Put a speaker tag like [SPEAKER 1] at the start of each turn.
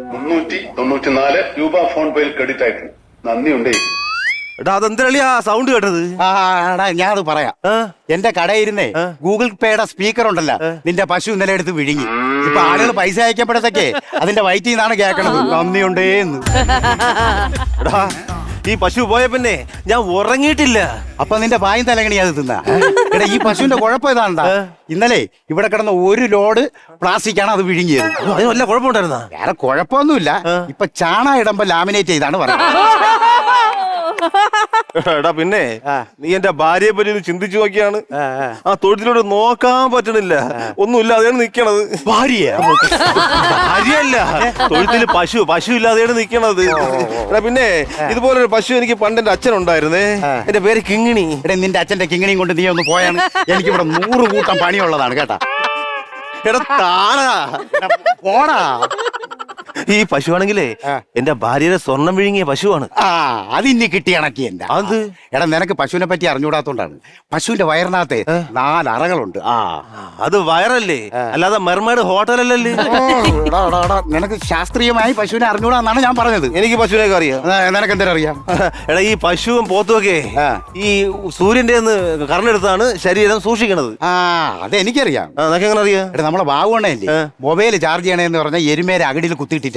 [SPEAKER 1] 394 രൂപ ഫോൺ പേയിൽ ക്രെഡിറ്റ് ആയിട്ടുണ്ട്. നന്ദിയുണ്ടേ.
[SPEAKER 2] എടാ അതെന്തരളിയാ സൗണ്ട് കേട്ടത്?
[SPEAKER 3] എടാ ഞാനത് പറയാം. എന്റെ കടയിരുന്നേ ഗൂഗിൾ പേയുടെ സ്പീക്കർ ഉണ്ടല്ലോ, നിന്റെ പശു ഇന്നലെ എടുത്ത് വിഴുങ്ങി. ഇപ്പൊ ആളുകൾ പൈസ അയക്കപ്പെടുത്തൊക്കെ അതിന്റെ വയറ്റിൽ നിന്നാണ് കേൾക്കണത് നന്ദിയുണ്ടേന്ന്.
[SPEAKER 2] എടാ ഈ പശു പോയ പിന്നെ ഞാൻ ഉറങ്ങിയിട്ടില്ല.
[SPEAKER 3] അപ്പൊ നിന്റെ പായും തലകണി അത് തിന്നാ. എടാ ഈ പശുവിന്റെ കുഴപ്പം ഇതാണ്ടാ, ഇന്നലെ ഇവിടെ കിടന്ന 1 ലോഡ് പ്ലാസ്റ്റിക് ആണ് അത് വിഴുങ്ങിയത്.
[SPEAKER 2] അതിന് വല്ല കുഴപ്പമുണ്ടായിരുന്നാ?
[SPEAKER 3] വേറെ കുഴപ്പമൊന്നുമില്ല. ഇപ്പൊ ചാണ ഇടുമ്പോ ലാമിനേറ്റ് ചെയ്താണ് പറയുന്നത്.
[SPEAKER 2] എടാ പിന്നെ നീ എന്റെ ഭാര്യയെ പറ്റി ഒന്ന് ചിന്തിച്ചു നോക്കിയാണ്. ആ തൊഴുത്തിലോട്ട് നോക്കാൻ പറ്റണില്ല, ഒന്നുമില്ല, അതാണ് നിക്കണത്. ഭാര്യയല്ല, തൊഴുത്തിൽ പശു ഇല്ലാതെയാണ് നിക്കണത്. എടാ പിന്നെ ഇതുപോലൊരു പശു എനിക്ക് പണ്ട് എന്റെ അച്ഛനുണ്ടായിരുന്നേ. എന്റെ പേര് കിങ്ങിണി.
[SPEAKER 3] എടാ നിന്റെ അച്ഛന്റെ കിങ്ങിണിയും കൊണ്ട് നീ ഒന്ന് പോയാണ്. എനിക്കിവിടെ 100 കൂട്ടം പണിയുള്ളതാണ് കേട്ടാ.
[SPEAKER 2] എടാ താണാ
[SPEAKER 3] പോടാ.
[SPEAKER 2] ഈ പശുവാണെങ്കിലേ എന്റെ ഭാര്യയുടെ സ്വർണം വിഴുങ്ങിയ പശുവാണ്.
[SPEAKER 3] അതിന്നി കിട്ടി കണക്കി എന്റെ.
[SPEAKER 2] അത്
[SPEAKER 3] എടാ നിനക്ക് പശുവിനെ പറ്റി അറിഞ്ഞൂടാത്തോണ്ടാണ്. പശുവിന്റെ വയറിനകത്ത് 4 അറകളുണ്ട്.
[SPEAKER 2] അത് വയറല്ലേ, അല്ലാതെ മെർമേഡ് ഹോട്ടലല്ലേ.
[SPEAKER 3] നിനക്ക് ശാസ്ത്രീയമായി പശുവിനെ അറിഞ്ഞൂടാന്നാണ് ഞാൻ പറഞ്ഞത്.
[SPEAKER 2] എനിക്ക് പശുവിനൊക്കെ അറിയാം.
[SPEAKER 3] നിനക്ക് എന്തിനാ അറിയാം?
[SPEAKER 2] എടാ ഈ പശുവും പോത്തുമൊക്കെ ഈ സൂര്യന്റെ കറണെടുത്താണ് ശരീരം സൂക്ഷിക്കണത്.
[SPEAKER 3] അതെനിക്കറിയാം.
[SPEAKER 2] നിനക്ക് എങ്ങനെ അറിയാം?
[SPEAKER 3] എടാ നമ്മളെ ബാബുവണ്ണല്ലേ മൊബൈൽ ചാർജ് ചെയ്യണേന്ന് പറഞ്ഞാൽ എരുമേരെ അകടിയിൽ കുത്തിയിട്ടില്ല.